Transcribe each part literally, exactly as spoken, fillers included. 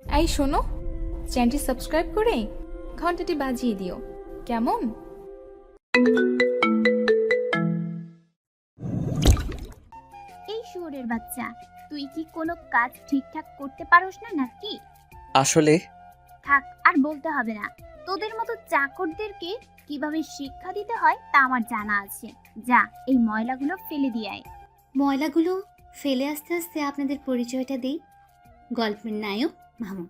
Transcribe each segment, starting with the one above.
এই শোনো, চ্যানেলটি সাবস্ক্রাইব করে ঘন্টাটি বাজিয়ে দিও, কেমন? এই শুয়োরের বাচ্চা, তুই কি কোনো কাজ ঠিকঠাক করতে পারোস না নাকি? আসলে থাক, আর বলতে হবে না। তোদের মতো চাকরদেরকে কিভাবে শিক্ষা দিতে হয় তা আমার জানা আছে। যা, এই ময়লাগুলো ফেলে দিয়ে আয়। ময়লাগুলো ফেলে আস্তে আস্তে আপনাদের পরিচয়টা দিই। গল্পের নায়ক মামুন।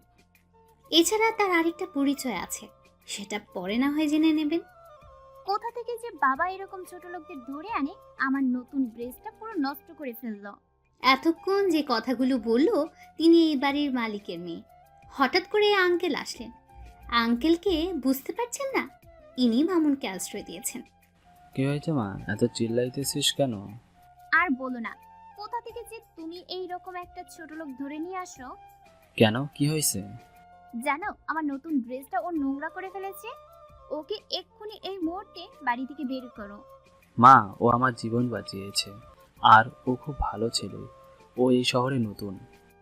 এছাড়া তার আরেকটা পরিচয় আছে, সেটা পরে না হয় জেনে নেবেন। কোথা থেকে যে বাবা এরকম ছোট লোকদের ধরে আনে, আমার নতুন ড্রেসটা পুরো নষ্ট করে ফেললো। এতক্ষণ যে কথাগুলো বললো, তিনি এই বাড়ির মালিকের মেয়ে। হঠাৎ করে আঙ্কেল আসলেন। আঙ্কেলকে বুঝতে পারছেন না, ইনি মামুনকে আশ্রয় দিয়েছেন। কি হয়েছে মা, এত চিল্লাইতেছিস কেন? আর বলো না, কোথা থেকে যে তুমি এই রকম একটা ছোট লোক ধরে নিয়ে আসো। কেন, কি হয়েছে? জানো, আমার নতুন ড্রেসটা ও নোংরা করে ফেলেছে। ওকে এক্ষুনি এই মুহূর্তে বাড়ি থেকে বের করো। মা, ও আমার জীবন বাঁচিয়েছে, আর ও খুব ভালো ছেলে। ও এই শহরে নতুন।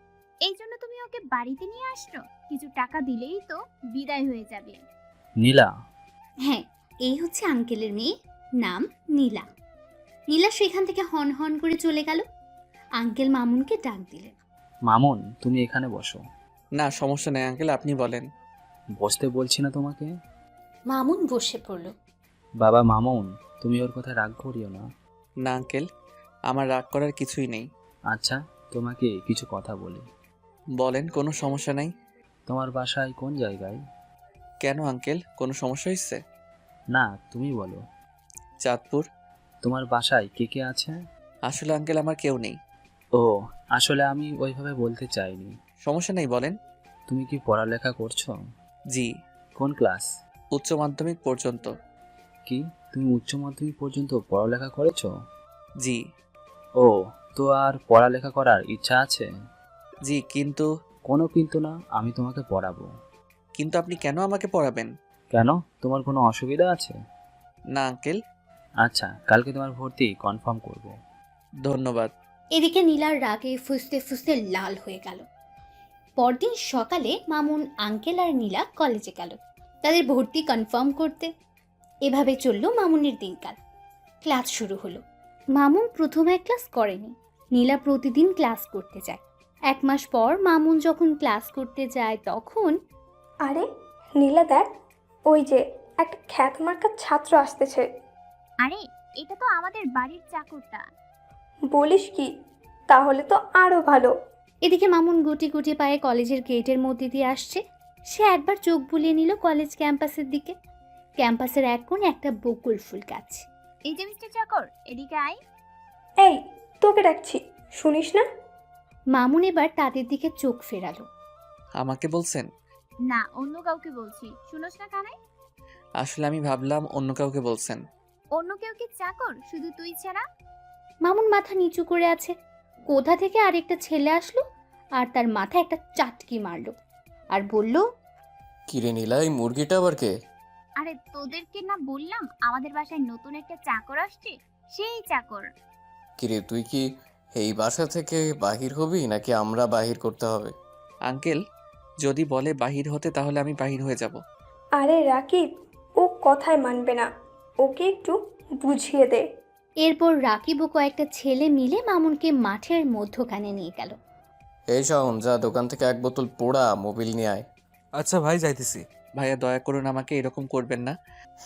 এই জন্য তুমি ওকে বাড়িতে নিয়ে আসছো? কিছু টাকা দিলেই তো বিদায় হয়ে যাবে। নীলা? হ্যাঁ, এই হচ্ছে আঙ্কেলের মেয়ে, নাম নীলা। নীলা সেখান থেকে হন হন করে চলে গেল। আঙ্কেল মামুনকে ডাক দিলেন। মামুন, তুমি এখানে বসো। না, সমস্যা নেই আঙ্কেল, আপনি বলেন। বসতে বলছি না তোমাকে? মামুন বসে পড়ল। বাবা মামুন, তুমি ওর কথা রাগ করিও না। না আঙ্কেল, আমার রাগ করার কিছুই নেই। আচ্ছা, তোমাকে কিছু কথা বলি। বলেন, কোনো সমস্যা নাই। তোমার বাসায় কোন জায়গায়? কেন আঙ্কেল, কোনো সমস্যা হয়েছে? না, তুমি বলো। চাঁদপুর। তোমার বাসায় কে কে আছে? আসলে আঙ্কেল আমার কেউ নেই। ও, আসলে আমি ওইভাবে বলতে চাইনি। সমস্যা নেই, বলেন। তুমি কি পড়ালেখা করছো? জি। কোন ক্লাস? উচ্চ মাধ্যমিক পর্যন্ত। কি, তুমি উচ্চ মাধ্যমিক পর্যন্ত পড়ালেখা করেছো? জি। ও, তো আর পড়ালেখা করার ইচ্ছা আছে? জি, কিন্তু কোনো কিন্তু না, আমি তোমাকে পড়াবো। কিন্তু আপনি কেন আমাকে পড়াবেন? কেন, তোমার কোনো অসুবিধা আছে? না আঙ্কেল। আচ্ছা, কালকে তোমার ভর্তি কনফার্ম করব। ধন্যবাদ। এদিকে নীলার রাগে ফুসতে ফুসতে লাল হয়ে গেল। পরদিন সকালে মামুন, আঙ্কেল আর নীলা কলেজে গেল তাদের ভর্তি কনফার্ম করতে। এভাবে চলল মামুনের দিনকাল। ক্লাস শুরু হলো। মামুন প্রথমে ক্লাস করেনি। নীলা প্রতিদিন ক্লাস করতে যায়। এক মাস পর মামুন যখন ক্লাস করতে যায় তখন আরে নীলা দেখ, ওই যে একটা খ্যাতমার্কা ছাত্র আসতেছে। আরে, এটা তো আমাদের বাড়ির চাকরটা। বলিস কি? তাহলে তো আরো ভালো। এদিকে মামুন গুটি গুটি পায়ে কলেজের গেটের মধ্যে দিয়ে আসছে। সে একবার চোখ বুলিয়ে নিল কলেজ ক্যাম্পাসের দিকে। ক্যাম্পাসের এক কোণে একটা বকুল ফুল গাছ। এই যে মিস্টার চাকর, এদিকে আয়। এই, তোকে ডাকছি, শুনিস না? মামুন এবার তাদের দিকে চোখ ফেরালো। আমাকে বলছেন? না, অন্য কাউকে বলছি, শুনোস না কানে? আসলে আমি ভাবলাম অন্য কাউকে বলছেন। অন্য কেউ কি চাকর শুধু তুই ছাড়া? মামুন মাথা নিচু করে আছে। কোথা থেকে আরেকটা ছেলে আসলো আর তার মাথায় একটা চাটকি মারলো আর বলল, কিরে নীলা, এই মুরগিটা আবার কে? আরে তোদেরকে না বললাম আমাদের বাসায় নতুন একটা চাকর আসছে, সেই চাকর। কিরে, তুই কি এই বাসা থেকে বাহির হবি নাকি আমরা বাহির করতে হবে? আঙ্কেল যদি বলে বাহির হতে, তাহলে আমি বাহির হয়ে যাব। আরে রাকিব, ও কথায় মানবে না, ওকে একটু বুঝিয়ে দে। এরপর রাকিব ও কয়েকটা ছেলে মিলে মামুনকে মাঠের মধ্যখানে নিয়ে গেল। এই শাওন, যা দোকান থেকে এক বোতল পোড়া মোবিল নিয়ে আয়। আচ্ছা ভাই, যাইতেছি। ভাইয়া দয়া করুন, আমাকে এরকম করবেন না।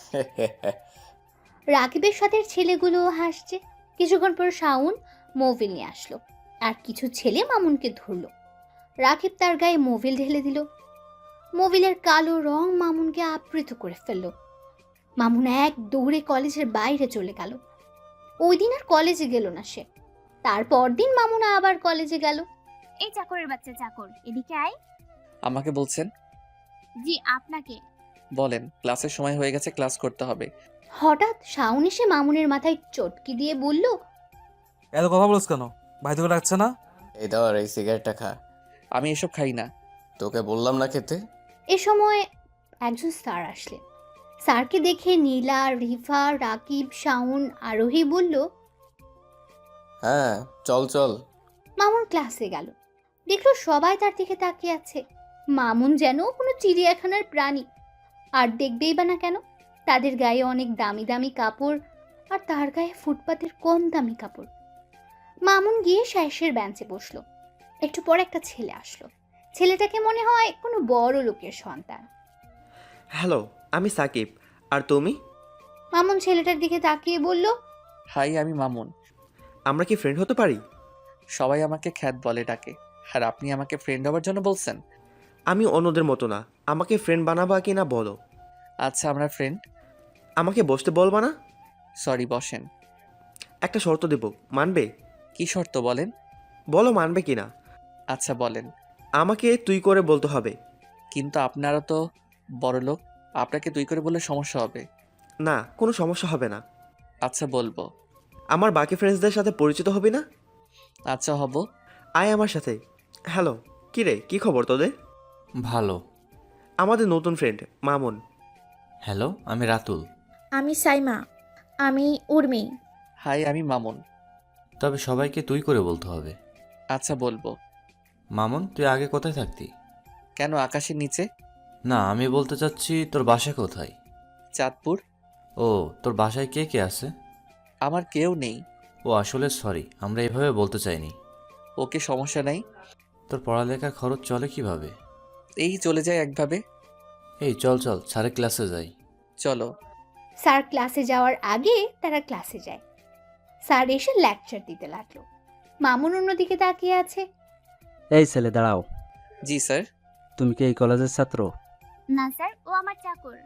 রাকিবের সাথে ছেলেগুলো হাসছে। কিছুক্ষণ পর শাওন মোবিল নিয়ে আসলো আর কিছু ছেলে মামুনকে ধরলো। রাকিব তার গায়ে মোবিল ঢেলে দিল। মোবিলের কালো রং মামুনকে আবৃত করে ফেললো। মামুন এক দৌড়ে কলেজের বাইরে চলে গেল। ওই দিন আর কলেজে গেল না সে। তারপর দিন মামুন আবার কলেজে গেল। এই চাকরের বাচ্চা চাকর, এদিকে আয়। আমাকে বলছেন? জি, আপনাকে। বলেন, ক্লাসের সময় হয়ে গেছে, ক্লাস করতে হবে। হঠাৎ শাওন এসে মামুনের মাথায় চটকি দিয়ে বলল, এত কথা বলছ কেন? ভাই তোকে ডাকছে না? এই ধর, এই সিগারেটটা খা। আমি এসব খাই না। তোকে বললাম না খেতে? এ সময় একজন স্যার আসলেন। স্যারকে দেখে নীলা, রিফা, রাকিব, শাওন, আরোহী বলল, হ্যাঁ, চল চল। মামুন ক্লাসে গেল। দেখলো সবাই তার দিকে তাকিয়ে আছে। মামুন যেন কোনো চিড়িয়াখানার প্রাণী। আর দেখবেই বা না কেন, তাদের গায়ে অনেক দামি দামি কাপড় আর তার গায়ে ফুটপাতের কম দামি কাপড়। মামুন গিয়ে শ্যাসের বেঞ্চে বসলো। একটু পর একটা ছেলে আসলো। ছেলেটাকে মনে হয় কোনো বড় লোকের সন্তান। হ্যালো, আমি সাকিব। আর তুমি? মামুন ছেলেটার দিকে তাকিয়ে বলল, হাই, আমি মামুন। আমরা কি ফ্রেন্ড হতে পারি? সবাই আমাকে খ্যাত বলে ডাকে, আর আপনি আমাকে ফ্রেন্ড হওয়ার জন্য বলছেন? আমি অন্যদের মতো না, আমাকে ফ্রেন্ড বানাবা কি না বলো। আচ্ছা, আমরা ফ্রেন্ড। আমাকে বসতে বলবা না? সরি, বসেন। একটা শর্ত দেব, মানবে? কি শর্ত বলেন? বলো মানবে কি না। আচ্ছা বলেন। আমাকে তুই করে বলতে হবে। কিন্তু আপনারা তো বড় লোক, আপনাকে তুই করে বললে সমস্যা হবে। না, কোনো সমস্যা হবে না। আচ্ছা বলবো। আমার বাকি ফ্রেন্ডসদের সাথে পরিচিত হবি না? আচ্ছা হব। আয় আমার সাথে। হ্যালো, কি রে, কি খবর তোদের? ভালো। আমাদের নতুন ফ্রেন্ড মামুন। হ্যালো, আমি রাতুল। আমি সাইমা। আমি উর্মি। হাই, আমি মামুন। তবে সবাইকে তুই করে বলতে হবে। আচ্ছা বলবো। মামুন, তুই আগে কোথায় থাকতি? কেন, আকাশের নিচে? না, আমি বলতে চাচ্ছি তোর বাসা কোথায়? চাঁদপুর। ও, তোর বাসায় কে কে আছে? আমার কেউ নেই। ও আসলে সরি, আমরা এভাবে বলতে চাইনি। ওকে, সমস্যা নাই। তোর পড়ালেখার খরচ চলে কিভাবে? এই চলে যায় একভাবে। এই চল চল, স্যারের ক্লাসে যাই। চলো। স্যার ক্লাসে যাওয়ার আগে তারা ক্লাসে যায়। স্যার এসে লেকচার দিতে লাগলো। মামুন অন্যদিকে তাকিয়ে আছে। এই ছেলে দাঁড়াও। জি স্যার। তুমি কি এই কলেজের ছাত্র? না স্যার, ও আমার চাকর।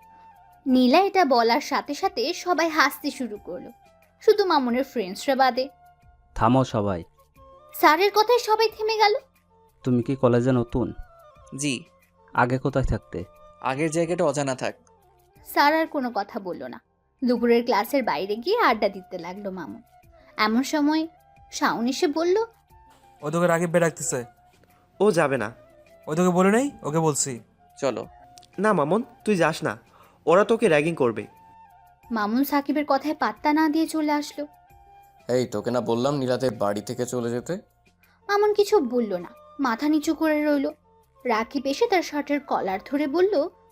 নীলা এটা বলার সাথে সাথে সবাই হাসতে শুরু করলো, শুধু মামুনের ফ্রেন্ডসরা বাদে। থামো সবাই। স্যারের কথায় সবাই থেমে গেল। তুমি কি কলেজে নতুন? জি। আগে কোথায় থাকতে? আগের জায়গাটা অজানা থাক। স্যার আর কোনো কথা বলল না। দুপুরের ক্লাসের বাইরে গিয়ে আড্ডা দিতে লাগলো মামুন। এমন সময় শাওন এসে বলল, ওই তোকে রাকিব ভাই ডাকতেছে। ও যাবে না। ওই তোকে বলে নেই, ওকে বলছি। চলো। না মামুন, তুই যাস না, ওরা তোকে র্যাগিং করবে। মামুন সাকিবের কথায় পাত্তা না দিয়ে চলে আসলো। এই তোকে না বললাম নীলাদের বাড়ি থেকে চলে যেতে? মামুন কিছু বলল না, মাথা নিচু করে রইল। রাকিব এসে তার শার্টের কলার ধরে বলল,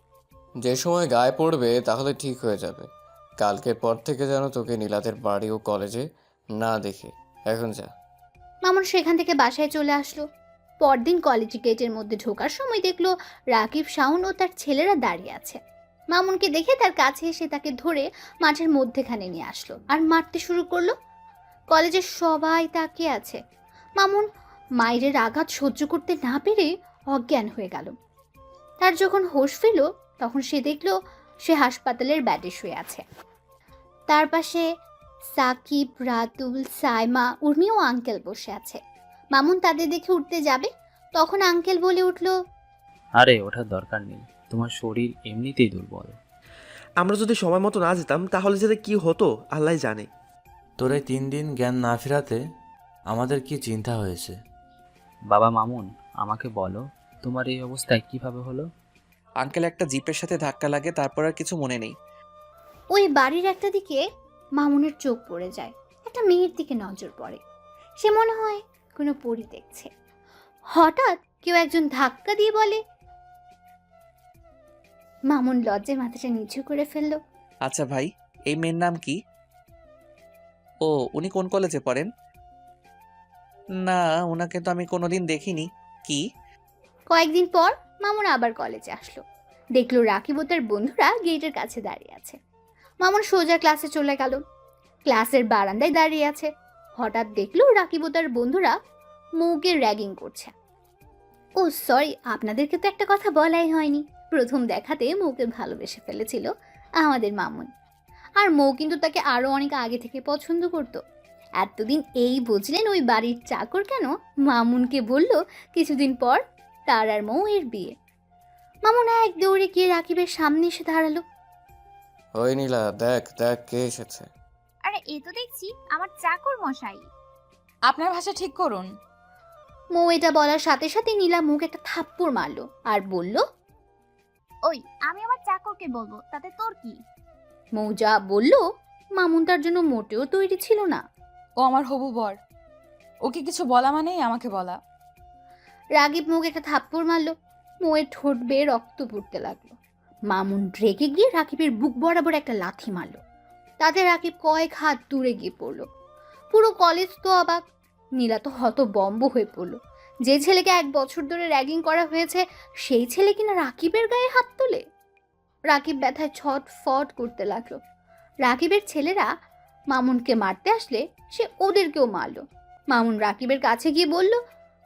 যে সময় গায়ে পড়বে তাহলে ঠিক হয়ে যাবে। কালকের পর থেকে যেন তোকে নীলাদের বাড়ি ও কলেজে না দেখে। এখন যা। মামুন সেখান থেকে বাসায় চলে আসলো। পরদিন কলেজ গেটের মধ্যে ঢোকার সময় দেখলো রাকিব, শাওন ও তার ছেলেরা দাঁড়িয়ে আছে। মামুনকে দেখে তার কাছে এসে তাকে ধরে মাঠের মধ্যেখানে নিয়ে আসলো আর মারতে শুরু করলো। কলেজের সবাই তাকিয়ে আছে। মামুন মায়ের আঘাত সহ্য করতে না পেরে অজ্ঞান হয়ে গেল। তার যখন হোশ ফিরল তখন সে দেখলো সে হাসপাতালের বেডে শুয়ে আছে। তার পাশে সাকিব, রাতুল, সাইমা, উর্মি ও আঙ্কেল বসে আছে। মামুন তাদের দেখে উঠতে যাবে, তখন আঙ্কেল বলে উঠল, আরে ওঠার দরকার নেই, তোমার শরীর এমনিতেই দুর্বল। আমরা যদি সময় মতো না যেতাম তাহলে যেতে কি হতো আল্লাহ জানে। তোর এই তিন দিন জ্ঞান না ফেরাতে আমাদের কি চিন্তা হয়েছে। বাবা মামুন, আমাকে বলো তোমার এই অবস্থায় কিভাবে হলো? আঙ্কেল, একটা জিপের সাথে ধাক্কা লাগে, তারপর আর কিছু মনে নেই। ওই বাড়ির একটা দিকে মামুনের চোখ পড়ে যায়। একটা মেয়ের দিকে নজর পড়ে। সে মনে হয় কোনো পরী দেখছে। হঠাৎ কেউ একজন ধাক্কা দিয়ে বলে, মামুন লজ্জায় মাথাটা নিচু করে ফেললো। আচ্ছা ভাই, এই মেয়ের নাম কি? ও, উনি কোন কলেজে পড়েন? না, ওনাকে তো আমি কোনোদিন দেখিনি। কি? কয়েকদিন পর মামুন আবার কলেজে আসলো। দেখলো রাকিব ও তার বন্ধুরা গেটের কাছে দাঁড়িয়ে আছে। মামুন সোজা ক্লাসে চলে গেল। ক্লাসের বারান্দায় দাঁড়িয়ে আছে। হঠাৎ দেখলো রাকিব ও তার বন্ধুরা মৌকে র্যাগিং করছে। ও সরি, আপনাদেরকে তো একটা কথা বলাই হয়নি। প্রথম দেখাতে মৌকে ভালোবেসে ফেলেছিল আমাদের মামুন। আর মৌ কিন্তু তাকে আরো অনেক আগে থেকে পছন্দ করত। এতদিন এই বুঝলেন ওই বাড়ির চাকর কেন মামুনকে বলল কিছুদিন পর তার আর মৌ এর বিয়ে। মামুন এক দৌড়ে গিয়ে রাকিবের সামনে এসে দাঁড়ালো। ওই নীলা, দেখ দেখ কে এসেছে। আরে এ তো দেখছি আমার চাকর মশাই। আপনার ভাষা ঠিক করুন। মৌ এটা বলার সাথে সাথে নীলা মুখ একটা থাপ্পড় মারলো আর বলল, ওই আমি আমার চাকরকে বলবো, তাতে তোর কি? মৌ যা বলল মামুন তার জন্য মোটেও তৈরি ছিল না। ও আমার হবু বর, ওকে কিছু বলা মানেই আমাকে বলা। রাগিব মুখ একটা থাপ্পড় মারলো। মোয়ের ঠোঁট বেয়ে রক্ত পড়তে লাগলো। মামুন রেগে গিয়ে রাকিবের বুক বরাবর একটা লাথি মারল। তাতে রাকিব কয়েক হাত দূরে গিয়ে পড়লো। পুরো কলেজ তো অবাক। নীলা তো হতবম্ব হয়ে পড়লো। যে ছেলেকে এক বছর ধরে র্যাগিং করা হয়েছে সেই ছেলে কিনা রাকিবের গায়ে হাত তোলে। রাকিব ব্যথায় ছটফট করতে লাগলো। রাকিবের ছেলেরা মামুনকে মারতে আসলে সে ওদেরকেও মারল। মামুন রাকিবের কাছে গিয়ে বলল,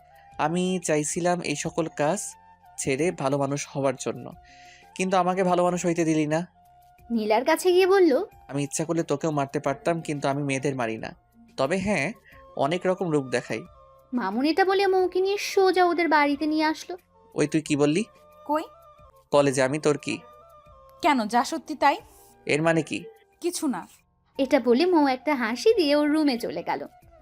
আমি চাইছিলাম এই সকল কাজ ছেড়ে ভালো মানুষ হওয়ার জন্য, কিন্তু আমাকে ভালো মানুষ হইতে দিলি না। নীলার কাছে গিয়ে বলল, আমি ইচ্ছা করলে তোকেও মারতে পারতাম, কিন্তু আমি মেয়েদের মারি না। তবে হ্যাঁ, অনেক রকম রূপ দেখাই। মামুন এটা বলে মৌকে নিয়ে সোজা ওদের বাড়িতে নিয়ে আসলো। ওই তুই কি বললি? কই? কলেজে। আমি তোর কি? কেন, যা সত্যি তাই। এর মানে কি? কিছু না। এটা বলে মৌ একটা হাসি দিয়ে ওর রুমে চলে গেল।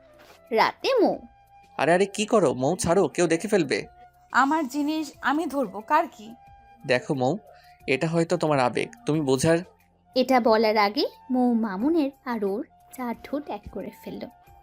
রাতে মৌ, আরে আরে কি করো মৌ, ছাড়ো, কেউ দেখে ফেলবে। আমার জিনিস আমি ধরবো, কার কি? দেখো মৌ, এটা হয়তো তোমার আবেগ, তুমি বোঝার। এটা বলার আগে মৌ মামুনের আর ওর চার ঠোঁট এক করে ফেলল।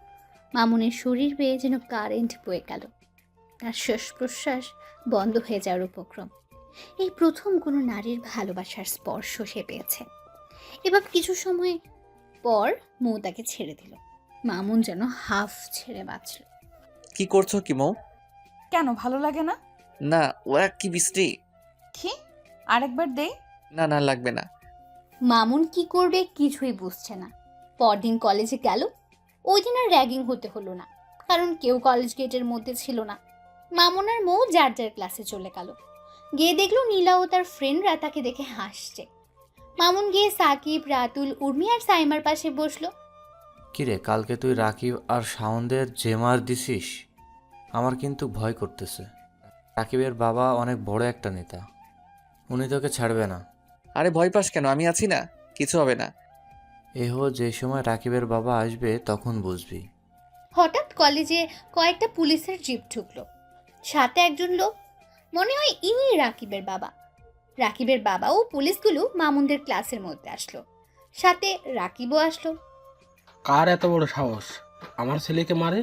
মামুনের শরীর বেয়ে যেন কারেন্ট বয়ে গেল। তার শ্বাস প্রশ্বাস বন্ধ হয়ে যাওয়ার উপক্রম। এই প্রথম কোনো নারীর ভালোবাসার স্পর্শ সে পেয়েছে। এবার কিছু সময় পর মৌ তাকে ছেড়ে দিল। মামুন যেন হাফ ছেড়ে বাঁচল। কি করছো কি মৌ? কেন, ভালো লাগে না? না, ওরা কি বৃষ্টি। কি? আরেকবার দে। না না, লাগবে না। মামুন কি করবে কিছুই বুঝছে না। পরদিন কলেজে গেল। ওই দিন আর র্যাগিং হতে হলো না, কারণ কেউ কলেজ গেটের মধ্যে ছিল না। মামুন আর মৌ যার যার ক্লাসে চলে গেল। গিয়ে দেখলো নীলা ও তার ফ্রেন্ডরা তাকে দেখে হাসছে। মামুন গিয়ে সাকিব, রাতুল, উর্মি আর সাইমার পাশে বসলো। কিরে, কালকে তুই রাকিব আর শাওনদের যে মার দিছিস, আমার কিন্তু ভয় করতেছে। রাকিবের বাবা অনেক বড় একটা নেতা, উনি তোকে ছাড়বে না। আরে ভয় পাস কেন, আমি আছি না, কিছু হবে না। এহো, যে সময় রাকিবের বাবা আসবে তখন বুঝবি। হঠাৎ কলেজে কয়েকটা পুলিশের জিপ ঢুকলো। সাথে একজন লোক, মনে হয় ইনি রাকিবের বাবা। রাকিবের বাবা ও পুলিশগুলো মামুনদের ক্লাসের মধ্যে আসলো। সাথে রাকিবও আসলো। কার এত বড় সাহস আমার ছেলেকে মারে?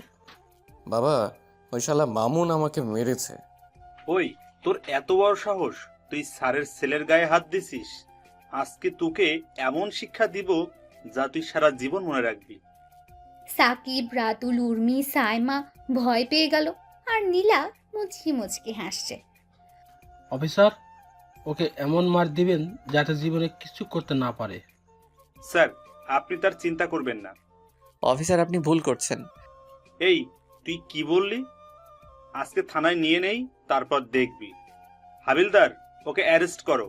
বাবা, ওই শালা মামুন আমাকে মেরেছে। ওই, তোর এত বড় সাহস, তুই স্যারের ছেলের গায়ে হাত দিছিস? আজকে তোকে এমন শিক্ষা দিব যা তুই সারা জীবন মনে রাখবি। সাকিব, রাতুল, উর্মি, সাইমা ভয় পেয়ে গেল। আর নীলা মুচকি মুচকি হাসছে। অফিসার, ওকে এমন মার দিবেন যাতে জীবনে কিছু করতে না পারে। স্যার, আপনি তার চিন্তা করবেন না। অফিসার, আপনি ভুল করছেন। এই, তুই কি বললি? আজকে থানায় নিয়ে নেই, তারপর দেখবি। হাবিলদার, ওকে অ্যারেস্ট করো।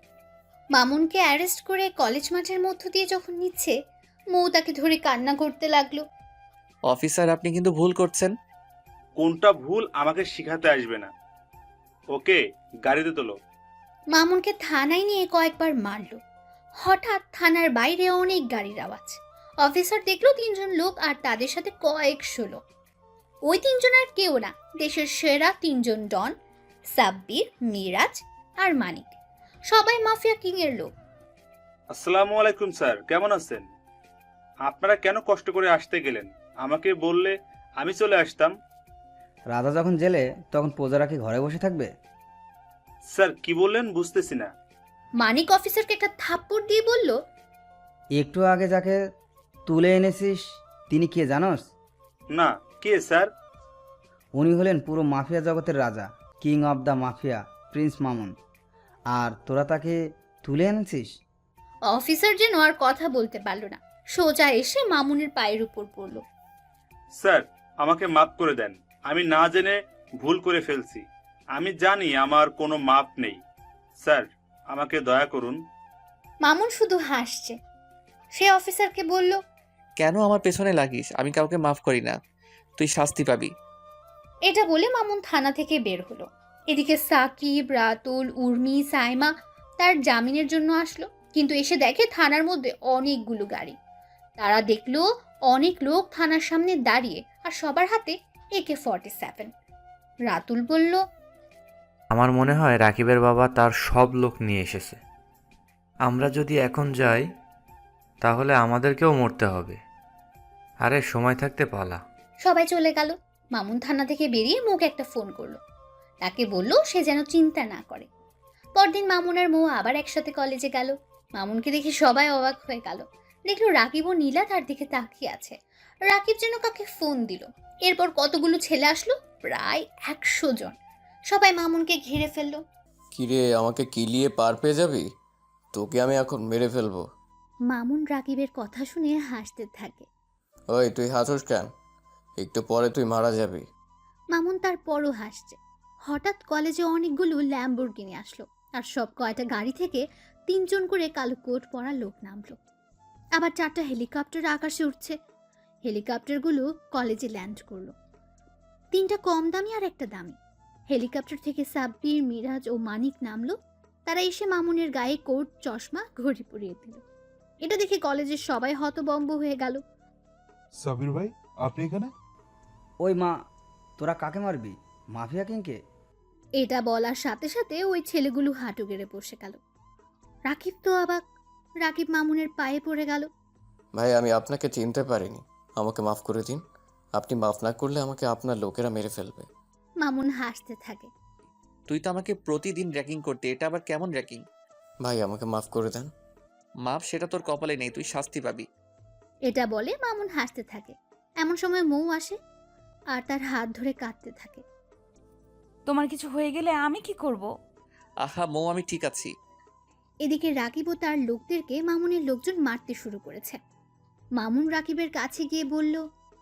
মামুনকে অ্যারেস্ট করে কলেজ মাঠের মধ্য দিয়ে যখন নিচ্ছে, মৌ তাকে ধরে কান্না করতে লাগলো। অফিসার, আপনি কিন্তু ভুল করছেন। কোনটা ভুল আমাকে শিখাতে আসবে না। ওকে গাড়িতে তোলো। মামুনকে থানায় নিয়ে কয়েকবার মারলো। হঠাৎ থানার বাইরে অনেক গাড়ির আওয়াজ। অফিসার দেখলো তিনজন লোক আর তাদের সাথে কয়েকশো লোক। ওই তিনজন আর কেউ না, দেশের সেরা তিনজন ডন, সাব্বির, মিরাজ আর মানিক। সবাই মাফিয়া কিং এর লোক। আসসালামু আলাইকুম স্যার, কেমন আছেন? আপনারা কেন কষ্ট করে আসতে গেলেন? আমাকে বললে আমি চলে আসতাম। রাজা যখন জেলে তখন প্রজারা কি ঘরে বসে থাকবে? স্যার কি বললেন বুঝতেছি না। মানিক অফিসারকে একটা থাপ্পড় দিয়ে বলল, একটু আগে যাকে তুলে এনেছিস তিনি কে জানোস? না, কে স্যার? উনি হলেন পুরো মাফিয়া জগতের রাজা, king of the mafia, prince Mamun. আর তোরা তাকে তুলে এনেছিস? অফিসার যেন আর কথা বলতে পারল না, সোজা এসে মামুনের পায়ের উপর পড়ল। স্যার, আমাকে মাফ করে দেন, আমি না জেনে ভুল করে ফেলছি। আমি জানি আমার কোনো মাপ নেই। স্যার, আমাকে দয়া করুন। মামুন শুধু হাসছে। সে অফিসারকে বলল, কেন আমার পেছনে লাগিস? আমি কাউকে মাফ করি না, তুই শাস্তি পাবি। এটা বলে মামুন থানা থেকে বের হলো। এদিকে সাকিব, রাতুল, উর্মি, সাইমা তার জামিনের জন্য আসলো, কিন্তু এসে দেখে থানার মধ্যে অনেকগুলো গাড়ি। তারা দেখলো অনেক লোক থানার সামনে দাঁড়িয়ে, আর সবার হাতে একে ফর্টি সেভেন। রাতুল বলল, আমার মনে হয় রাকিবের বাবা তার সব লোক নিয়ে এসেছে। আমরা যদি এখন যাই তাহলে আমাদেরকেও মরতে হবে। আরে সময় থাকতে পালা। সবাই চলে গেল। মামুন থানা থেকে বেরিয়ে মুখ একটা ফোন করলো। তাকে বলল সে যেন চিন্তা না করে। পরদিন মামুন আর মৌ আবার একসাথে কলেজে গেল। মামুনকে দেখে সবাই অবাক হয়ে গেল। দেখলো রাকিব ও নীলা তার দিকে তাকিয়ে আছে। রাকিব যেন কাকে ফোন দিল। এরপর কতগুলো ছেলে আসলো, প্রায় একশো জন। সবাই মামুনকে ঘিরে ফেললো। কিরে, আমাকে কিলিয়ে পার পেয়ে যাবি? তোকে আমি এখন মেরে ফেলবো। মামুন রাকিবের কথা শুনে হাসতে থাকে। ওই তুই হাসোস কেন? একটু পরে তুই মারা যাবি। মামুন তারপরও হাসছে। হঠাৎ কলেজে অনেকগুলো ল্যাম্বরগিনি আসলো, আর সব কয়টা গাড়ি থেকে তিনজন করে কালো কোট পরা লোক নামলো। আবার চারটা হেলিকপ্টার আকাশে উঠছে। হেলিকপ্টারগুলো কলেজে ল্যান্ড করলো। তিনটা কম দামি আর একটা দামি। হেলিকপ্টার থেকে সাব্বির, মিরাজ ও মানিক নামলো। তারা এসে মামুনের গায়ে কোট, চশমা, ঘড়ি পরিয়ে দিল। এটা দেখে কলেজের সবাই হতবম্ব হয়ে গেল। সাবির ভাই, আপনি এখানে? ওই মা, তোরা কাকে মারবি? মাফিয়া কিংকে? এটা বলার সাথে সাথে ওই ছেলেগুলো হাঁটু গেড়ে বসে গেল। রাকিব তো অবাক। রাকিব মামুনের পায়ে পড়ে গেল। ভাই, আমি আপনাকে চিনতে পারিনি, আমাকে মাফ করে দিন। আপনি মাফ না করলে আমাকে আপনার লোকেরা মেরে ফেলবে। মামুন হাসতে থাকে। তুই তো আমাকে প্রতিদিন র্যাকিং করতে, এটা আবার কেমন র্যাকিং? ভাই, আমাকে মাফ করে দেন। মাপ সেটা তোর কপালে নেই, তুই শাস্তি পাবি। এটা বলে মামুন হাসতে থাকে। এমন সময় মৌ আসে আর তার হাত ধরে কাঁদতে থাকে। তোমার কিছু হয়ে গেলে আমি কি করব? আহা মৌ, আমি ঠিক আছি। এদিকে রাকিব ও তার লোকদেরকে মামুনের লোকজন মারতে শুরু করেছে। মামুন রাকিবের কাছে গিয়ে বলল,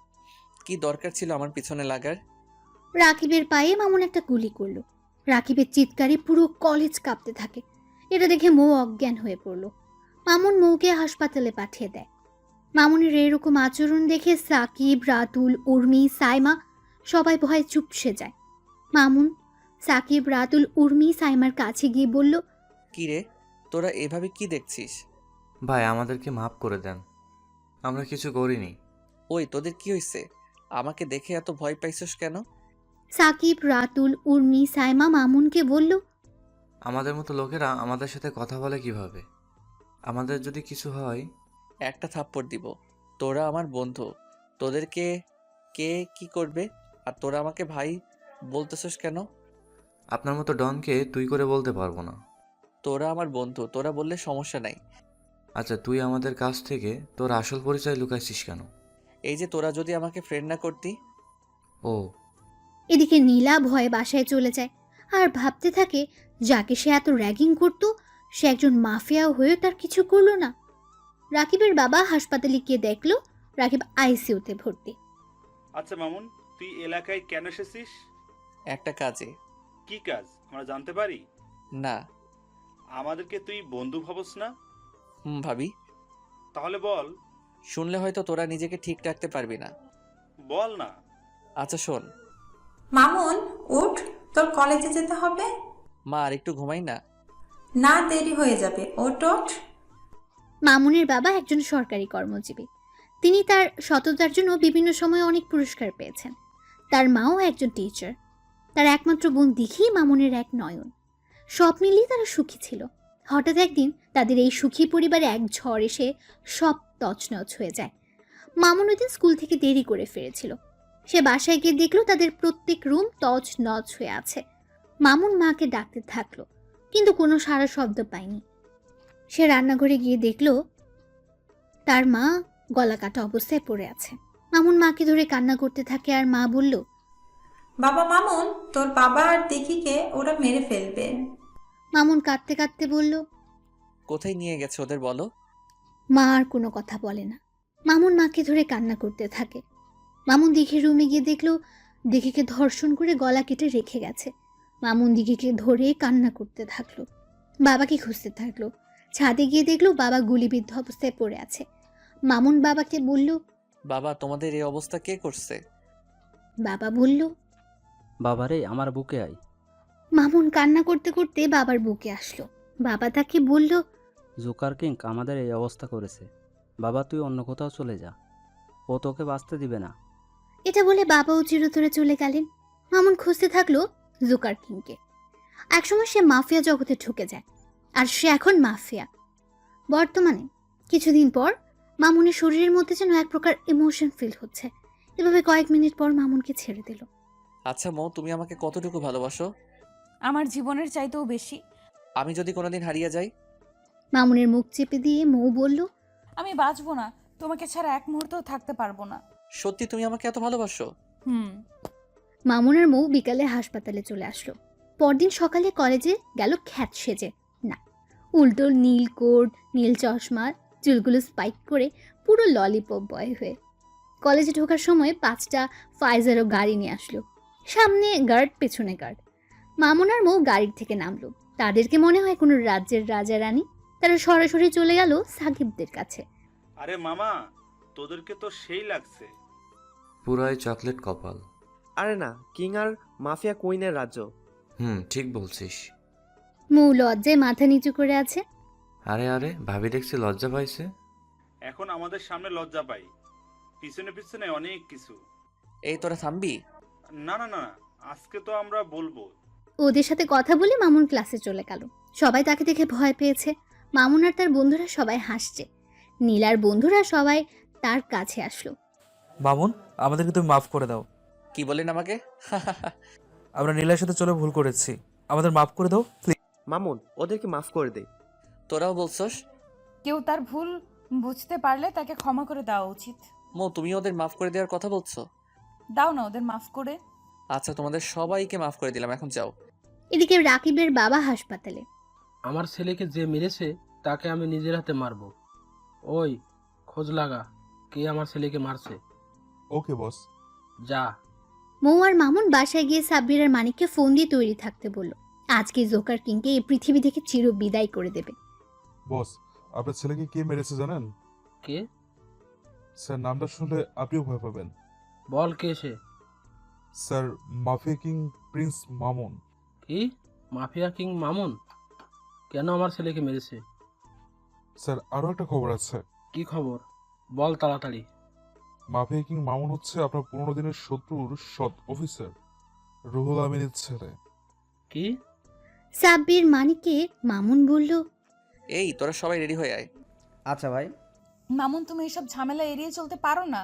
কি দরকার ছিল আমার পিছনে লাগার? রাকিবের পায়ে মামুন একটা গুলি করলো। রাকিবের চিৎকারে পুরো কলেজ কাঁপতে থাকে। এটা দেখে মৌ অজ্ঞান হয়ে পড়ল। মামুন মৌকে হাসপাতালে পাঠিয়ে দেয়। মামুনের এরকম আচরণ দেখে সাকিব, রাতুল, উর্মি, সাইমা সবাই ভয়ে চুপসে যায়। মামুন সাকিব, রাতুল, উর্মি সাইমার কাছে গিয়ে বলল, কি রে, তোরা এভাবে কি দেখছিস? ভাই, আমাদেরকে মাফ করে দেন, আমরা কিছু করিনি। ওই তোদের কি হয়েছে? আমাকে দেখে এত ভয় পাইছস কেন? সাকিব, রাতুল, উর্মি, সাইমা মামুনকে বলল, আমাদের মতো লোকেরা আমাদের সাথে কথা বলে কিভাবে? আমাদের যদি কিছু হয়? একটা থাপ্পড় দিব। তোরা আমার বন্ধু, তোদেরকে কে কি করবে? আর তোরা আমাকে ভাই বলতেছস কেন? আপনার মতো ডনকে তুই করে বলতে পারবো না। তোরা আমার বন্ধু, তোরা বললে সমস্যা নাই। আচ্ছা, তুই আমাদের কাছ থেকে তোর আসল পরিচয় লুকাইছিস কেন? এই যে তোরা যদি আমাকে ফ্রেন্ড না করতি। ও। এদিকে নীলা ভয়ে বাসায় চলে যায় আর ভাবতে থাকে যাকে সে এত র্যাগিং করত সে একজন মাফিয়া হয়ে তার কিছু করলো না। রাকিবের বাবা হাসপাতালে গিয়ে দেখলো রাকিব আইসিইউতে ভর্তি। আচ্ছা মামুন, তুই এলাকায় কেন এসেছিস? একটা কাজে। কি কাজ আমরা জানতে পারি? না। আমাদেরকে তুই বন্ধু ভাবস না? হুম ভাবি। তাহলে বল। শুনলে হয়তো তোরা নিজেকে ঠিক রাখতে পারবি না। বল না। আচ্ছা শোন। মামুন, উঠ, তোর কলেজে যেতে হবে। মা আর একটু ঘুমাই না। না, দেরি হয়ে যাবে, ওঠ ওঠ। মামুনের বাবা একজন সরকারি কর্মজীবী। তিনি তার সততার জন্য বিভিন্ন সময় অনেক পুরস্কার পেয়েছেন। তার মাও একজন টিচার। তার একমাত্র বোন দিঘি মামুনের এক নয়ন। সব মিলিয়ে তারা সুখী ছিল। হঠাৎ একদিন তাদের এই সুখী পরিবারে এক ঝড় এসে সব তছনছ হয়ে যায়। মামুন ওই দিন স্কুল থেকে দেরি করে ফিরেছিল। সে বাসায় গিয়ে দেখলো তাদের প্রত্যেক রুম তছনছ হয়ে আছে। মামুন মাকে ডাকতে থাকলো, কিন্তু কোনো সাড়া শব্দ পায়নি। সে রান্নাঘরে গিয়ে দেখলো তার মা গলা কাটা অবস্থায় পড়ে আছে। মামুন মাকে ধরে কান্না করতে থাকে আর মা বলল, বাবা মামুন, তোর বাবা আর দিঘিকে ওরা মেরে ফেলবে। মামুন কাঁদতে কাঁদতে বলল, কোথায় নিয়ে গেছে ওদের বলো? মা আর কোনো কথা বলে না। মামুন মাকে ধরে কান্না করতে থাকে। মামুন দিঘির রুমে গিয়ে দেখলো দিঘিকে ধর্ষণ করে গলা কেটে রেখে গেছে। মামুন দিঘিকে ধরে কান্না করতে থাকলো। বাবাকে খুঁজতে থাকলো। ছাদে গিয়ে দেখলো বাবা গুলিবিদ্ধ অবস্থায় পড়ে আছে। মামুন বাবাকে বলল, বাবা, তোমাদের এই অবস্থা কে করছে? বাবা বলল, বাবারে, আমার বুকে আয়। মামুন কান্না করতে করতে বাবার বুকে আসলো। বাবা তাকে বলল, জোকার কিং আমাদের এই অবস্থা করেছে। বাবা, তুই অন্য কোথাও চলে যা, ও তোকে বাঁচতে দিবে না। এটা বলে বাবাও চিরতরে চলে গেলেন। মামুন খুঁজতে থাকলো জোকার কিংকে। একসময় সে মাফিয়া জগতে ঢুকে যায়, আর সে এখন মাফিয়া। বর্তমানে কিছুদিন পর মামুনের শরীরের মধ্যে যেন এক প্রকার ইমোশন ফিল হচ্ছে। এভাবে কয়েক মিনিট পর মামুনকে ছেড়ে দিল। আচ্ছা মৌ, তুমি আমাকে কতটুকু ভালোবাসো? আমার জীবনের চাইতেও বেশি। আমি যদি কোনোদিন হারিয়ে যাই? মামুনের মুখ চেপে দিয়ে মৌ বলল, আমি বাঁচবো না, তোমাকে ছাড়া এক মুহূর্তও থাকতে পারবো না। সত্যি তুমি আমাকে এত ভালোবাসো? হুম। মামুন আর মৌ বিকালে হাসপাতালে চলে আসলো। পরদিন সকালে কলেজে গেল খ্যাত সেজে। না, উল্টো নীল কোট, নীল চশমা, চুলগুলো স্পাইক করে পুরো ললিপপ বয় হয়ে কলেজে ঢোকার সময় পাঁচটা ফাইজারও গাড়ি নিয়ে আসলো। সামনে গার্ড, পেছনে গার্ড। মামুন আর মৌ গাড়ির থেকে নামলো। তাদেরকে মনে হয় কোনো রাজ্যের রাজা রানী। তারা সরাসরি চলে গেল সাকিবদের কাছে। আরে মামা, তোদেরকে তো সেই লাগছে। পুরাই চকলেট কপাল। আরে না, কিং আর মাফিয়া কুইনের রাজ্য। হুম, ঠিক বলছিস। মৌ লজ্জায় মাথা নিচু করে আছে। আরে আরে, ভাবি দেখছি লজ্জা পাইছে। এখন আমাদের সামনে লজ্জা পাই, পিছনে পিছনে অনেক কিছু। এই তোরা থামবি? না না না, আজকে তো আমরা বলবো। ওদের সাথে কথা বলে মামুন ক্লাসে চলে গেল। সবাই তাকে দেখে ভয় পেয়েছে। মামুন আর তার বন্ধুরা সবাই হাসছে। নীলার বন্ধুরা সবাই তার কাছে আসলো। মামুন, আমাদেরকে তুমি মাফ করে দাও। কি বলেন আমাকে? আমরা নীলার সাথে চলে ভুল করেছি, আমাদের মাফ করে দাও প্লিজ। মামুন, ওদেরকে মাফ করে দে। তোরাও বলছস? কেউ তার ভুল বুঝতে পারলে তাকে ক্ষমা করে দেওয়া উচিত। মো, তুমি ওদের মাফ করে দেওয়ার কথা বলছো? দাও না ওদের মাফ করে। আচ্ছা, তোমাদের সবাইকে মাফ করে দিলাম, এখন যাও। এদিকে রাকিবের বাবা হাসপাতালে। আমার ছেলেকে যে মেরেছে তাকে আমি নিজের হাতে মারবো। ওই খোঁজ লাগা, কে আমার ছেলেকে মারছে। ওকে বস। যা। মৌ আর মামুন বাসায় গিয়ে সাব্বির আর মানিককে ফোন দিয়ে তৈরি থাকতে বলল। আজকে জোকার কিংকে এই পৃথিবী থেকে চির বিদায় করে দেবে। বস, আপনার ছেলেকে কে মেরেছে জানেন? কে? স্যার, নামটা শুনলে আপনিও ভয় পাবেন। বল কে সে? Sir, mafia king prince Mamun. কি? মাফিয়া কিং মামুন কেন আমার ছেলেকে মেরেছে? স্যার, আরও একটা খবর আছে। কি খবর? বল তাড়াতাড়ি। মাফিয়া কিং মামুন হচ্ছে আপনার পনেরো দিনের শত্রুর সৎ অফিসার রুহুল আমিনের ছেলে। কি? সাব্বির মানিককে মামুন বলল, এই তোরা সবাই রেডি হয়ে আয়। আচ্ছা ভাই। মামুন, তুমি এসব ঝামেলা এড়িয়ে চলতে পারো না?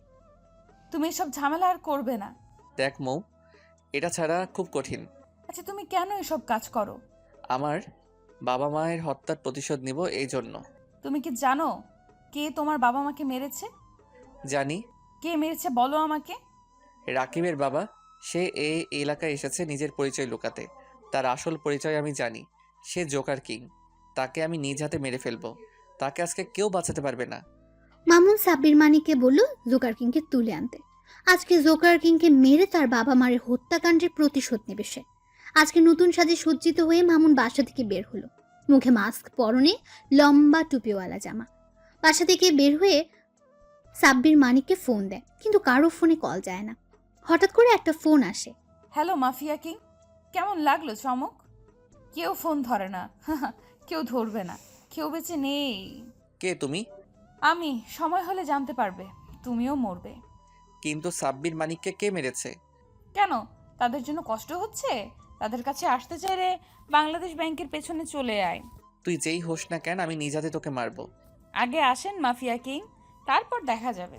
তুমি এসব ঝামেলা আর করবে না। দেখ মৌ, এটা ছাড়া খুব কঠিন। আচ্ছা, তুমি কেন এসব কাজ করো? আমার বাবা মায়ের হত্যার প্রতিশোধ নিব, এই জন্য। তুমি কি জানো কে তোমার বাবা মাকে মেরেছে? জানি। কে মেরেছে বলো আমাকে। রাকিবের বাবা। সে এই এলাকায় এসেছে নিজের পরিচয় লুকাতে। তার আসল পরিচয় আমি জানি। সে জোকার কিং। তাকে আমি নিজ হাতে মেরে ফেলবো। তাকে আজকে কেউ বাঁচাতে পারবে না। মামুন সাব্বির মানিককে বলল জোকার কিংকে তুলে আনতে। আজকে জোকার কিংকে মেরে তার বাবা মায়ের হত্যাকাণ্ডের প্রতিশোধ নেবে সে। আজকে নতুন সাজে সজ্জিত হয়ে মামুন বাসা থেকে বের হলো। মুখে মাস্ক, পরনে লম্বা টুপিওয়ালা জামা। বাসা থেকে বের হয়ে সাব্বির মানিককে ফোন দেয়, কিন্তু কারো ফোনে কল যায় না। হঠাৎ করে একটা ফোন আসে। হ্যালো মাফিয়া কিং, কেমন লাগলো চমক? কেউ ফোন ধরে না, কেউ ধরবে না, কেউ বেঁচে নেই। কে তুমি? আমি। সময় হলে জানতে পারবে, তুমিও মরবে। কিন্তু সাব্বির মানিককে কে মেরেছে? কেন, তাদের জন্য কষ্ট হচ্ছে? তাদের কাছে আসতে চাইলে বাংলাদেশ ব্যাংকের পেছনে চলে আয়। তুই যেই হোস না কেন, আমি নিজ হাতে তোকে মারবো। আগে আসেন মাফিয়া কিং, তারপর দেখা যাবে।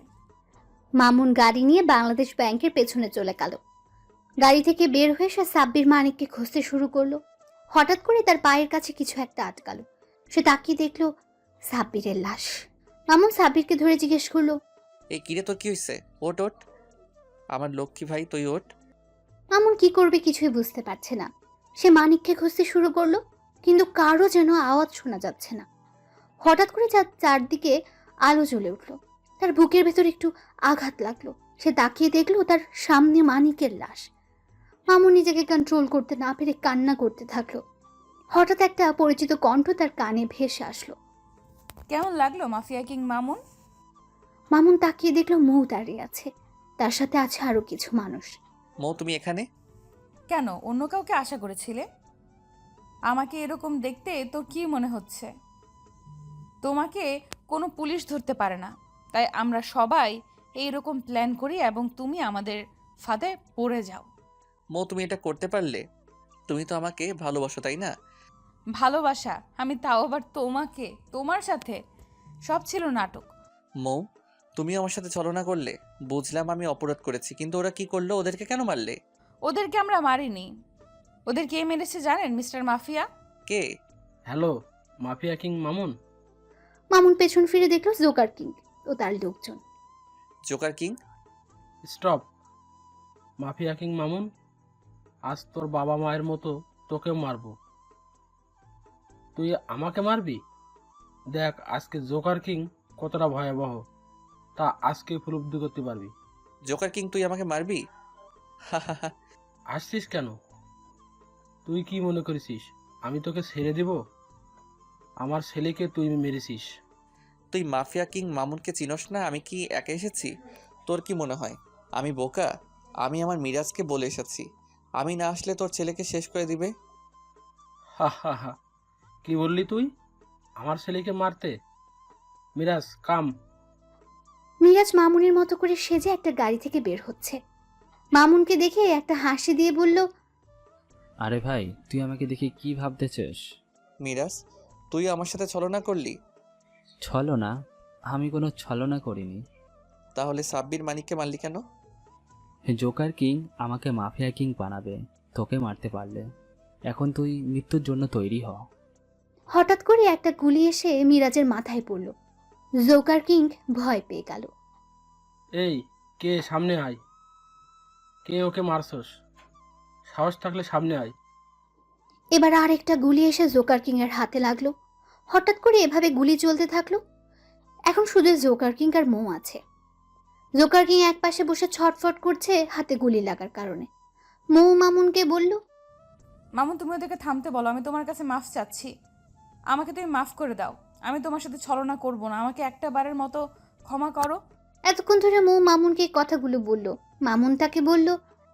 মামুন গাড়ি নিয়ে বাংলাদেশ ব্যাংকের পেছনে চলে গেল। গাড়ি থেকে বের হয়ে সে সাব্বির মানিককে খুঁজতে শুরু করলো। হঠাৎ করে তার পায়ের কাছে কিছু একটা আটকালো। সে তাকিয়ে দেখলো সাব্বিরের লাশ। মামুন সাব্বিরকে ধরে জিজ্ঞেস করলো, এই কিরে, তোর কি হয়েছে? ওট ওট, আমার লক্ষ্মী ভাই, তুই ওট। মামুন কি করবে কিছুই বুঝতে পারছে না। সে মানিককে খুঁজতে শুরু করলো, কিন্তু কারো যেন আওয়াজ শোনা যাচ্ছে না। হঠাৎ করে যার চারদিকে আলো জ্বলে উঠলো। তার বুকের ভেতর একটু আঘাত লাগলো। সে তাকিয়ে দেখলো তার সামনে মানিকের লাশ। মামুন নিজেকে কন্ট্রোল করতে না পেরে কান্না করতে থাকলো। হঠাৎ একটা পরিচিত কণ্ঠ তার কানে ভেসে আসলো। কেমন লাগলো মাফিয়া কিং মামুন? মামুন তাকিয়ে দেখলো মৌ দাঁড়িয়ে আছে। তার সাথে আছে আরো কিছু মানুষ। মৌ, তুমি এখানে কেন? অন্য কাউকে আশা করেছিলে? আমাকে এরকম দেখতে তোর কি মনে হচ্ছে? তোমাকে কোনো পুলিশ ধরতে পারে না, তাই আমরা সবাই এইরকম প্ল্যান করি এবং তুমি আমাদের ফাঁদে পড়ে যাও। মৌ, তুমি এটা করতে পারলে? তুমি তো আমাকে ভালোবাসো, তাই না? ভালোবাসা? আমি তাও আবার তোমাকে? তোমার সাথে? সব ছিল নাটক। মৌ, তুমি আমার সাথে ছলনা করলে। বুঝলাম আমি অপরাধ করেছি, কিন্তু ওরা কি করলো? ওদেরকে কেন মারলে? ওদেরকে আমরা মারিনি, ওদের কে মেরেছে জানেন মিস্টার মাফিয়া? কে? Hello, mafia king Mamun. Mamun পেছন ফিরে দেখলো জোকার কিং ও তার লোকজন। Joker king? Stop. Mafia king Mamun, আজ তোর বাবা মায়ের মতো তোকেও মারবো। তুই আমাকে মারবি? দেখ আজকে জোকার কিং কতটা ভয়াবহ, তা আজকে উপলব্ধি করতে পারবি। জোকার কিং তুই আমাকে মারবি? আসছিস কেন? তুই কি মনে করেছিস আমি তোকে ছেড়ে দেব? আমার ছেলেকে তুই মেরেছিস। তুই মাফিয়া কিং মামুনকে চিনস না? আমি কি একা এসেছি? তোর কি মনে হয় আমি বোকা? আমি আমার মিরাজকে বলে এসেছি আমি না আসলে তোর ছেলেকে শেষ করে দিবে। হা হা হা, কি বললি তুই? আমার ছেলেকে মারতে? মিরাজ কাম। মিরাজ মামুনের মতো করে সেজে একটা গাড়ি থেকে বের হচ্ছে। মামুনকে দেখে একটা হাসি দিয়ে বলল, আরে ভাই, তুই আমাকে দেখে কি ভাবতেছিস? মিরাজ, তুই আমার সাথে ছলনা করলি? ছলনা? আমি কোনো ছলনা করিনি। তাহলে সাব্বির মানিককে মারলি কেন? জোকার কিং আমাকে মাফিয়া কিং বানাবে তোকে মারতে পারলে। এখন তুই মৃত্যুর জন্য তৈরি হ। হঠাৎ করে একটা গুলি এসে মিরাজের মাথায় পড়ল। জোকার কিং ভয় পেয়ে গেল। এই কে? সামনে আয়। কে ওকে মারছস? সাহস থাকলে সামনে আয়। এবার আর একটা গুলি এসে জোকার কিং এর হাতে লাগলো। হঠাৎ করে এভাবে গুলি চলতে থাকলো। এখন শুধু জোকার কিং আর মৌ আছে। জোকার কিং এক পাশে বসে ছটফট করছে হাতে গুলি লাগার কারণে। মৌ মামুনকে বলল, মামুন তুমি ওদেরকে থামতে বলো, আমি তোমার কাছে মাফ চাচ্ছি। আমাকে তুমি মাফ করে দাও, আমি তোমার সাথে ছলনা করব না, আমাকে একটা বারের মতো ক্ষমা করো। এতক্ষণ ধরে মৌ মামুনকে এই কথাগুলো বলল। মামুন তাকে বলল,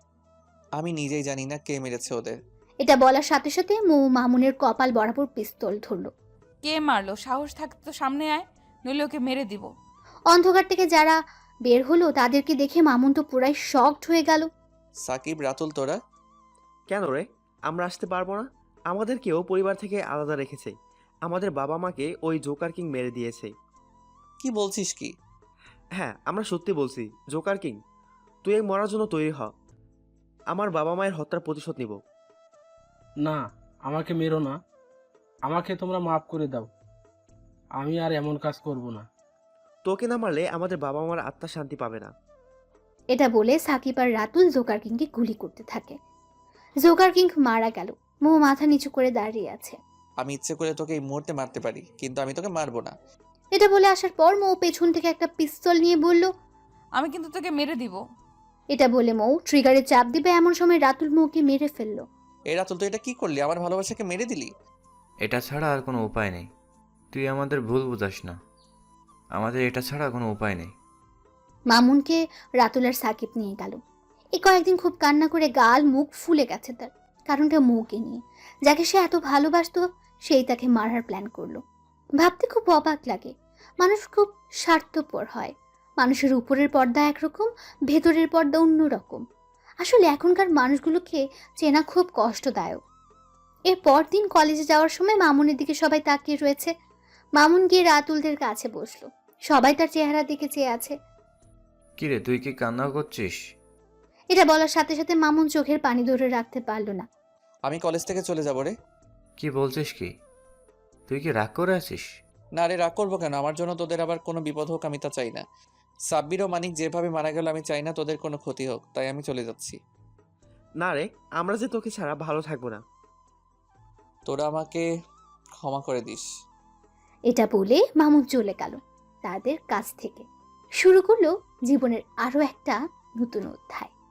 আমি নিজেই জানি না কে মেরেছে ওদের। এটা বলার সাথে সাথে মৌ মামুনের কপাল বরাবর পিস্তল ধরল। কে মারলো? সাহস থাকতে তো সামনে আয়, নইলে ওকে মেরে দিব। অন্ধকার থেকে যারা বের হলো তাদেরকে দেখে মামুন তো পুরাই শকড হয়ে গেল। সাকিব, রাতুল, তোরা কেন রে? আমরা আসতে পারবো না? আমাদেরকেও পরিবার থেকে আলাদা রেখেছে। আমাদের বাবা মাকে ওই জোকার কিং মেরে দিয়েছে। কি বলছিস কি? হ্যাঁ, আমরা সত্যি বলছি। জোকার কিং, তুই এই মরার জন্য তৈরি হ। আমার বাবা মায়ের হত্যার প্রতিশোধ নিব। না, আমাকে মেরো না। আমাকে তোমরা মাফ করে দাও। আমি আর এমন কাজ করব না। তোকে না মারলে আমাদের বাবা মার আত্মা শান্তি পাবে না। এটা বলে সাকিব আর রাতুল জোকার কিংকে গুলি করতে থাকে। জোকার কিং মারা গেল। মৌ মাথা নিচু করে দাঁড়িয়ে আছে। আমি ইচ্ছে করে তোকে এই মুহূর্তে মারতে পারি, কিন্তু আমি তোকে মারবো না। এটা বলে আসার পর মৌ পেছন থেকে একটা পিস্তল নিয়ে বলল, আমি কিন্তু তোকে মেরে দিব। এটা বলে মৌ ট্রিগারে চাপ দিবে এমন সময় রাতুল মৌকে মেরে ফেললো। এই রাতুল, তুই এটা কি করলি? আমার ভালোবাসাকে মেরে দিলি। এটা ছাড়া আর কোনো উপায় নেই। তুই আমাদের ভুল বুঝাস না। আমাদের এটা ছাড়া কোনো উপায় নেই। মামুনকে রাতুল আর সাকিব নিয়ে গেল। এই কয়েকদিন খুব কান্না করে গাল মুখ ফুলে গেছে তার। কারণটা মৌকে নিয়ে। যাকে সে এত ভালোবাসতো সেই তাকে মারার প্ল্যান করলো। ভাবতে খুব অবাক লাগে। মানুষ খুব স্বার্থপর হয়। মানুষের উপরের পর্দা একরকম, ভেতরের পর্দা অন্যরকম। আসলে এখনকার মানুষগুলোকে চেনা খুব কষ্টদায়ক। এর পরদিন কলেজে যাওয়ার সময় মামুনের দিকে সবাই তাকিয়ে রয়েছে। মামুন গিয়ে রাতুলদের কাছে বসলো। সবাই তার চেহারা দিকে চেয়ে আছে। কিরে, তুই কি কান্না করছিস? এটা বলার সাথে সাথে মামুন চোখের পানি ধরে রাখতে পারলো না। আমি কলেজ থেকে চলে যাবো রে। কি বলছিস কি? তুই কি রাগ করে আছিস? না রে, রাগ করবো কেন? আমার জন্য তোদের আবার কোনো বিপদ হোক আমি তা চাই না। সাব্বির ও মানিক যেভাবে মারা গেল আমি চাই না তোদের কোনো ক্ষতি হোক, তাই আমি চলে যাচ্ছি। না রে, আমরা যে তোকে ছাড়া ভালো থাকবো না। তোরা আমাকে ক্ষমা করে দিস। এটা বলে মামুন চলে গেল তাদের কাছ থেকে। শুরু করলো জীবনের আরো একটা নতুন অধ্যায়।